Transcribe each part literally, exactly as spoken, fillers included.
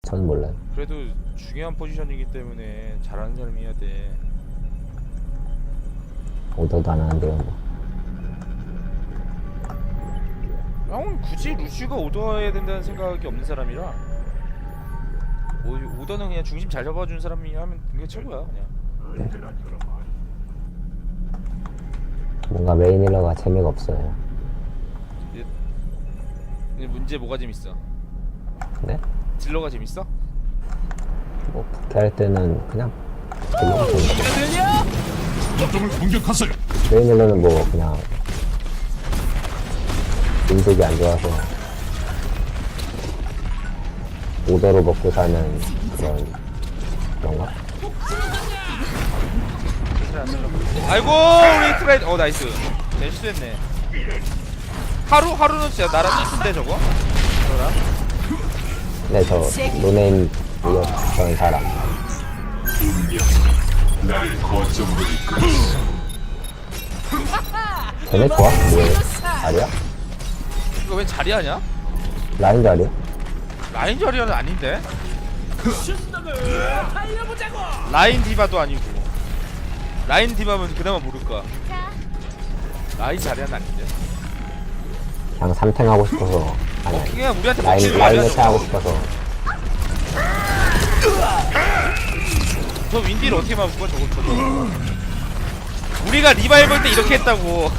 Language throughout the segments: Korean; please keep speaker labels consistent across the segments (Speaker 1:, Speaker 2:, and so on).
Speaker 1: 전 몰라요.
Speaker 2: 그래도 중요한 포지션이기 때문에 잘하는 사람이 해야 돼.
Speaker 1: 오더도 안 하는데요 뭐.
Speaker 2: 형은 굳이 루시가 오더해야 된다는 생각이 없는 사람이라 오, 오더는 그냥 중심 잘 잡아주는 사람이 하면 그게 최고야 그냥.
Speaker 1: 네. 뭔가 메인 힐러가 재미가 없어요.
Speaker 2: 근데 문제 뭐가 재밌어?
Speaker 1: 네?
Speaker 2: 딜러가 재밌어?
Speaker 1: 뭐 부캐 할 때는 그냥 딜러가 재밌어.
Speaker 3: 거점을 공격하세요.
Speaker 1: 메인 힐러는 뭐 그냥 인색이 안 좋아서 오더로 먹고 사는 그런 그런가?
Speaker 2: 아이고 우리 트라이 어 나이스. 내 실수했네. 하루 하루는 진짜 나랑 똑같은데 저거? 저랑?
Speaker 1: 네, 저 노네임이었던 사람.
Speaker 3: 나를 거점으로 이끌어.
Speaker 1: 걔네 좋아? 뭐예요? 자리야?
Speaker 2: 이거 왜 자리하냐?
Speaker 1: 라인 자리야?
Speaker 2: 라인 자리아는 아닌데? 라인 디바도 아니고 라인 디바면 그나마 모를까. 라인 자리아는 아닌데.
Speaker 1: 그냥 삼탱 하고 싶어서 아니
Speaker 2: 어, 그냥 우리한테
Speaker 1: 라인
Speaker 2: 먹히는 거
Speaker 1: 라인
Speaker 2: 아니야
Speaker 1: 매치 하고
Speaker 2: 저거?
Speaker 1: 싶어서
Speaker 2: 저 윈디를 어떻게 막을 거야 저거 저거. 우리가 리바이벌 볼 때 이렇게 했다고.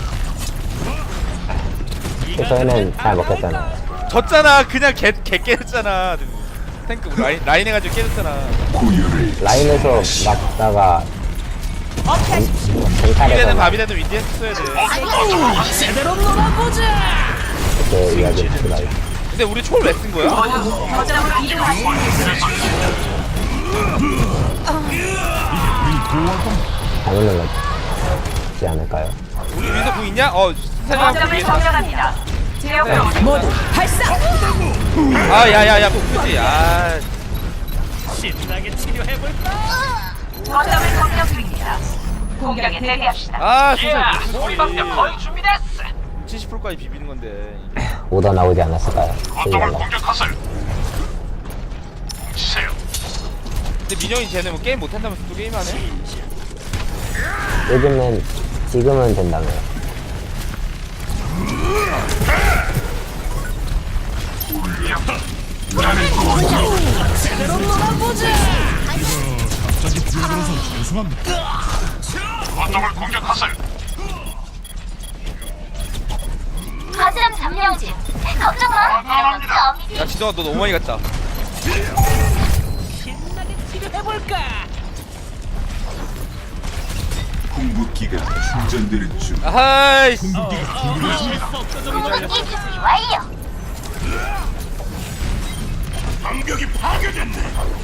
Speaker 1: 그래서 얘는 잘 먹겠잖아.
Speaker 2: 졌잖아. 그냥 개, 개 깨졌잖아. 탱크 라인, 라인 해가지고 깨졌잖아.
Speaker 3: 고유를
Speaker 1: 라인에서 막다가
Speaker 2: 비비되는
Speaker 1: 쟁탈에서
Speaker 2: 바비되는 윈디 했어야 돼.
Speaker 4: 제대로 놀아보자.
Speaker 1: 그때 이야기를 듣고 나요.
Speaker 2: 근데 우리 초를 왜 쓴 거야?
Speaker 1: 잘못 눌렀지 않을까요?
Speaker 2: 우리 위에서 구 있냐? 어 세상 위에서. 네.
Speaker 4: 모두 발사.
Speaker 2: 아 야야야 복수지. 아
Speaker 4: 신나게 치료해볼까?
Speaker 5: 거점을 공격 중입니다. 공격에 대비합시다.
Speaker 2: 아 소설
Speaker 5: 우리 방벽 거의 준비됐어.
Speaker 2: 칠십 퍼센트까지 비비는 건데.
Speaker 1: 오더 나오지 않았을까요?
Speaker 3: 거점을 공격하세요. 치세요.
Speaker 2: 근데 민영이 쟤네 뭐 게임 못한다면서 또 게임하네?
Speaker 1: 요즘은 지금은 된다며요.
Speaker 4: 제대로 놀아보자.
Speaker 3: 갑자기 불러들어서 죄송합니다. 거점을 공격하세요.
Speaker 5: 거점 점령 중. 걱정 마.
Speaker 2: 야 진동아 너 너무 많이 갔다.
Speaker 4: 신나게 치료해볼까?
Speaker 3: 궁극기가 충전되는 중.
Speaker 2: 아하이씨.
Speaker 3: 궁극기가 준비됐습니다.
Speaker 5: 공격이 준비 완료.
Speaker 3: 방벽이 파괴됐네.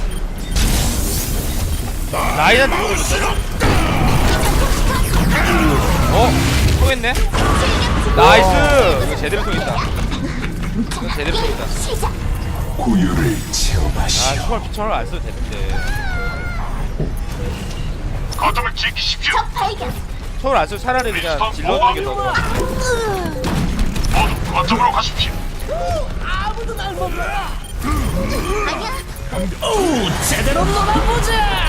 Speaker 2: 라인한테 누구 걸렸어? 어? 통했네? 나이스! 이거 제대로 통했다. 이거 제대로 통했다.
Speaker 3: 고유를 체험하시.
Speaker 2: 아 초월 피처를 안 써도 되는데.
Speaker 3: 거점을 지키십시오.
Speaker 5: 발견.
Speaker 2: 초월 안 써도 차라리 그냥 질러주는 게 더 좋아.
Speaker 3: 모두 거점으로 가십시오.
Speaker 4: 아무도 날 못 놀아.
Speaker 5: 아니야.
Speaker 4: 오, 제대로 놀아보자.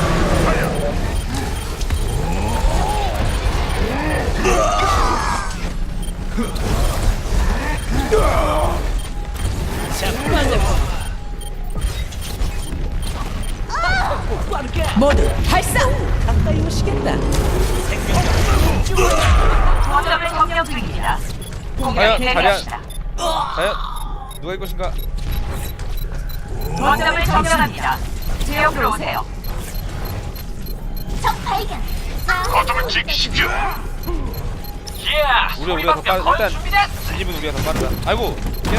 Speaker 4: 모두 발사. 가까이 오시겠다.
Speaker 5: 거점을 점령 중입니다.
Speaker 2: 과연
Speaker 5: 공격에
Speaker 2: 자리야
Speaker 5: 대비합시다.
Speaker 2: 과연 누가 일 것인가?
Speaker 5: 거점을 점령합니다. 제 옆으로 오세요. 적 발견.
Speaker 3: 거점을 지키십시오.
Speaker 2: 우리 우리가 더 빠르 일단 진입은 우리가 더 빠르다. 아이고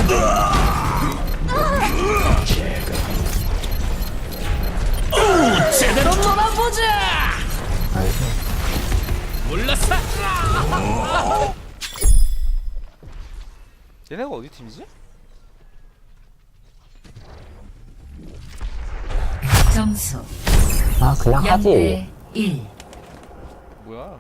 Speaker 4: 제대로 놀아보자. 몰랐어.
Speaker 2: 얘네가 어디 팀이지?
Speaker 6: 점수
Speaker 1: 아 그냥 하지.
Speaker 6: 영 대 일.
Speaker 2: 뭐야?